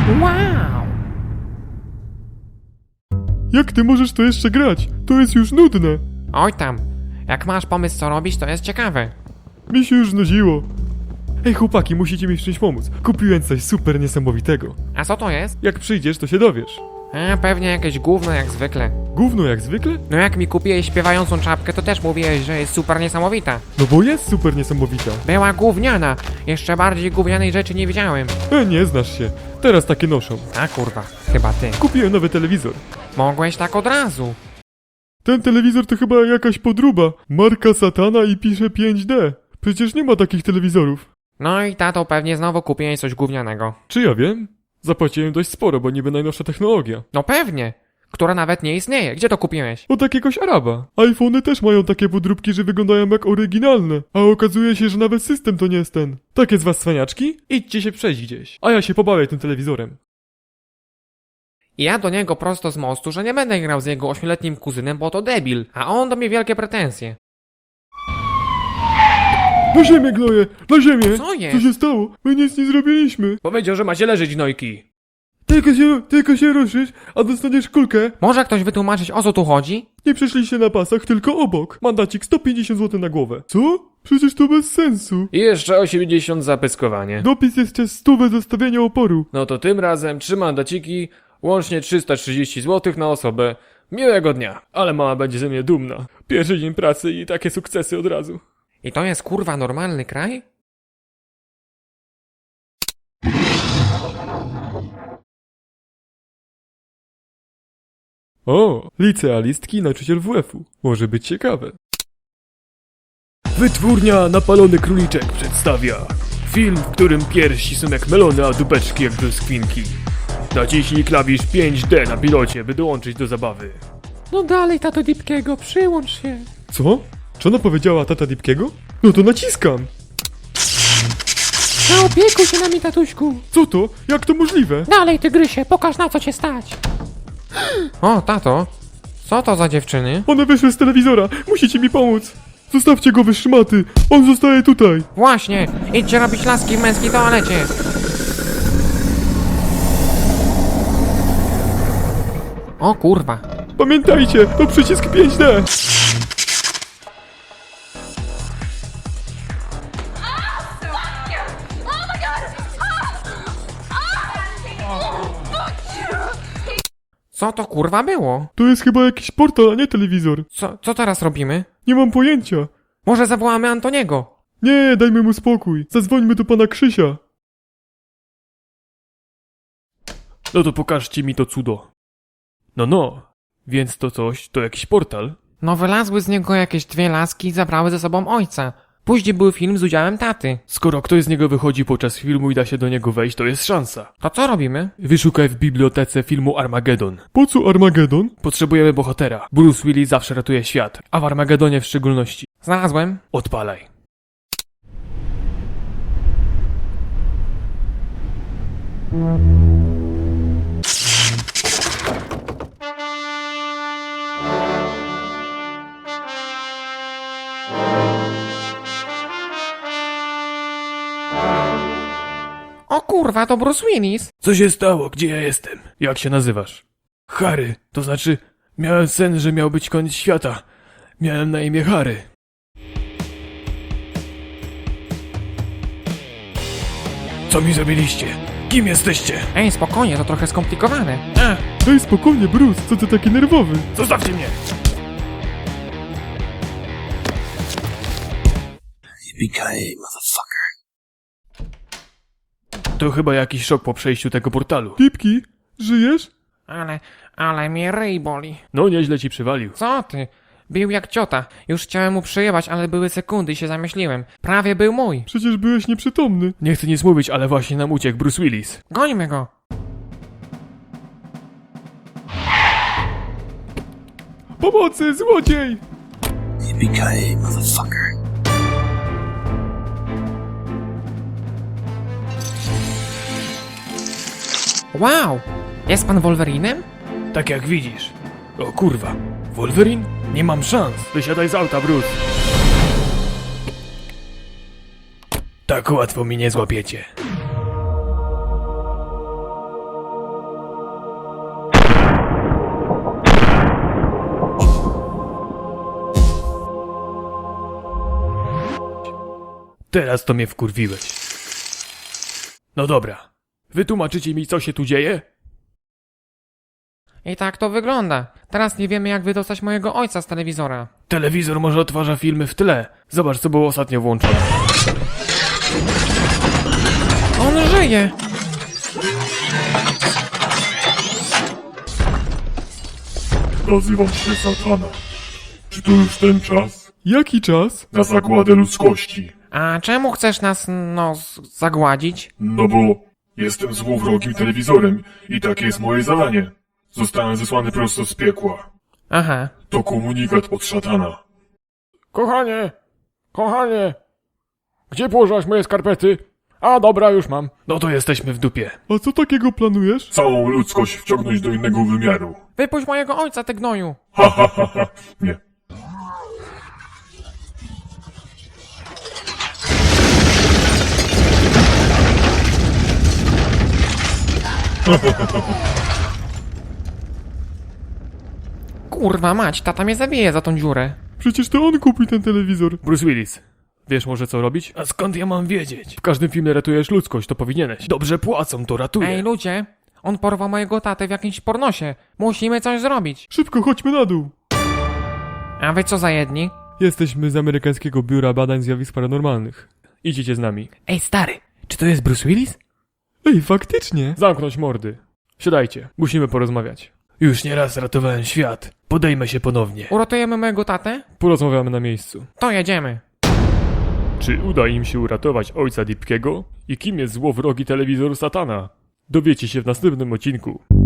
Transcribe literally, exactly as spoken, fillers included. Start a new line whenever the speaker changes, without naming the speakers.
Wow!
Jak ty możesz to jeszcze grać? To jest już nudne.
Oj tam, jak masz pomysł co robić, to jest ciekawe.
Mi się już znudziło. Ej chłopaki, musicie mi w czymś pomóc. Kupiłem coś super niesamowitego.
A co to jest?
Jak przyjdziesz, to się dowiesz.
A, pewnie jakieś gówno jak zwykle.
Gówno jak zwykle?
No jak mi kupiłeś śpiewającą czapkę, to też mówiłeś, że jest super niesamowita.
No bo jest super niesamowita.
Była gówniana. Jeszcze bardziej gównianej rzeczy nie widziałem.
E, nie znasz się. Teraz takie noszą.
A kurwa, chyba ty.
Kupiłem nowy telewizor.
Mogłeś tak od razu.
Ten telewizor to chyba jakaś podróba. Marka Satana i pisze pięć D. Przecież nie ma takich telewizorów.
No i tato pewnie znowu kupiłeś coś gównianego.
Czy ja wiem? Zapłaciłem dość sporo, bo niby najnowsza technologia.
No pewnie. Która nawet nie istnieje. Gdzie to kupiłeś?
Od jakiegoś Araba. iPhony też mają takie podróbki, że wyglądają jak oryginalne. A okazuje się, że nawet system to nie jest ten. Takie z was cwaniaczki? Idźcie się przejść gdzieś. A ja się pobawię tym telewizorem.
I ja do niego prosto z mostu, że nie będę grał z jego ośmioletnim kuzynem, bo to debil. A on do mnie wielkie pretensje.
Na ziemię, gnoje! Na ziemię!
Co jest?
Co się stało? My nic nie zrobiliśmy.
Powiedział, że macie leżeć, gnojki.
Tylko się, tylko się ruszysz, a dostaniesz kulkę.
Może ktoś wytłumaczyć, o co tu chodzi?
Nie przeszliście na pasach, tylko obok. Mandacik sto pięćdziesiąt złotych na głowę. Co? Przecież to bez sensu.
I jeszcze osiemdziesiąt za pyskowanie.
Dopis jeszcze stówę za stawianie oporu.
No to tym razem trzy mandaciki, łącznie trzysta trzydzieści złotych na osobę. Miłego dnia. Ale mama będzie ze mnie dumna. Pierwszy dzień pracy i takie sukcesy od razu.
I to jest kurwa normalny kraj?
O, licealistki, nauczyciel W F-u. Może być ciekawe.
Wytwórnia Napalony Króliczek przedstawia film, w którym piersi są jak melony, a dupeczki jak brzoskwinki. Naciśnij klawisz pięć D na pilocie, by dołączyć do zabawy.
No dalej, tato Dipkiego, przyłącz się.
Co? Czy ona powiedziała tata Dipkiego? No to naciskam.
Zaopiekuj się nami, tatuśku.
Co to? Jak to możliwe?
Dalej, tygrysie, pokaż na co cię stać. O, tato, co to za dziewczyny?
One wyszły z telewizora. Musicie mi pomóc. Zostawcie go, wy szmaty. On zostaje tutaj.
Właśnie, idźcie robić laski w męskiej toalecie. O kurwa.
Pamiętajcie, to przycisk pięć D.
Co to kurwa było?
To jest chyba jakiś portal, a nie telewizor.
Co, co teraz robimy?
Nie mam pojęcia.
Może zawołamy Antoniego?
Nie, dajmy mu spokój. Zadzwońmy do pana Krzysia.
No to pokażcie mi to cudo. No no, więc to coś, to jakiś portal?
No wylazły z niego jakieś dwie laski i zabrały ze sobą ojca. Później był film z udziałem taty.
Skoro ktoś z niego wychodzi podczas filmu i da się do niego wejść, to jest szansa.
To co robimy?
Wyszukaj w bibliotece filmu Armageddon.
Po co Armagedon?
Potrzebujemy bohatera. Bruce Willis zawsze ratuje świat, a w Armagedonie w szczególności.
Znalazłem.
Odpalaj.
O kurwa, to Bruce Willis.
Co się stało? Gdzie ja jestem? Jak się nazywasz? Harry, to znaczy, miałem sen, że miał być koniec świata. Miałem na imię Harry. Co mi zrobiliście? Kim jesteście?
Ej, spokojnie, to trochę skomplikowane.
E,
Daj spokojnie, Bruce, co ty taki nerwowy?
zostawcie mnie!
Yippee-ki-yay, motherfucker.
To chyba jakiś szok po przejściu tego portalu.
Pipki, żyjesz?
Ale, ale mnie ryj boli.
No nieźle ci przywalił.
Co ty? Bił jak ciota. Już chciałem mu przyjebać, ale były sekundy i się zamyśliłem. Prawie był mój.
Przecież byłeś nieprzytomny.
Nie chcę nic mówić, ale właśnie nam uciekł Bruce Willis.
Gońmy go.
Pomocy, złodziej!
Yippee-ki-yay, motherfucker.
Wow! Jest pan Wolverinem?
Tak jak widzisz. O kurwa. Wolverine? Nie mam szans. Wysiadaj z auta, Bruce. Tak łatwo mi nie złapiecie. Teraz to mnie wkurwiłeś. No dobra. Wytłumaczycie mi, co się tu dzieje?
I tak to wygląda. Teraz nie wiemy, jak wydostać mojego ojca z telewizora.
Telewizor może odtwarza filmy w tle. Zobacz, co było ostatnio włączone.
On żyje!
Nazywam się Satana. Czy to już ten czas
Jaki czas?
na zagładę ludzkości?
A czemu chcesz nas, no, z- zagładzić?
No bo jestem złowrogim telewizorem i takie jest moje zadanie. Zostałem zesłany prosto z piekła.
Aha.
To komunikat od szatana.
Kochanie! Kochanie! Gdzie położyłaś moje skarpety? A, dobra, już mam. No to jesteśmy w dupie.
A co takiego planujesz?
Całą ludzkość wciągnąć do innego wymiaru.
Wypuść mojego ojca, ty gnoju!
Ha ha ha ha. Nie.
Kurwa mać, tata mnie zabije za tą dziurę.
Przecież to on kupił ten telewizor.
Bruce Willis. Wiesz może co robić? A skąd ja mam wiedzieć? W każdym filmie ratujesz ludzkość, to powinieneś. Dobrze płacą, to ratuję.
Ej, ludzie, on porwał mojego tatę w jakimś pornosie. Musimy coś zrobić.
Szybko, chodźmy na dół.
A wy co za jedni?
Jesteśmy z amerykańskiego biura badań zjawisk paranormalnych.
Idźcie z nami.
Ej, stary, czy to jest Bruce Willis?
Ej, faktycznie.
Zamknąć mordy. Siadajcie, musimy porozmawiać. Już nieraz ratowałem świat. Podejmę się ponownie.
Uratujemy mojego tatę?
Porozmawiamy na miejscu.
To jedziemy.
Czy uda im się uratować ojca Dipkiego? I kim jest złowrogi telewizor Satana? Dowiecie się w następnym odcinku.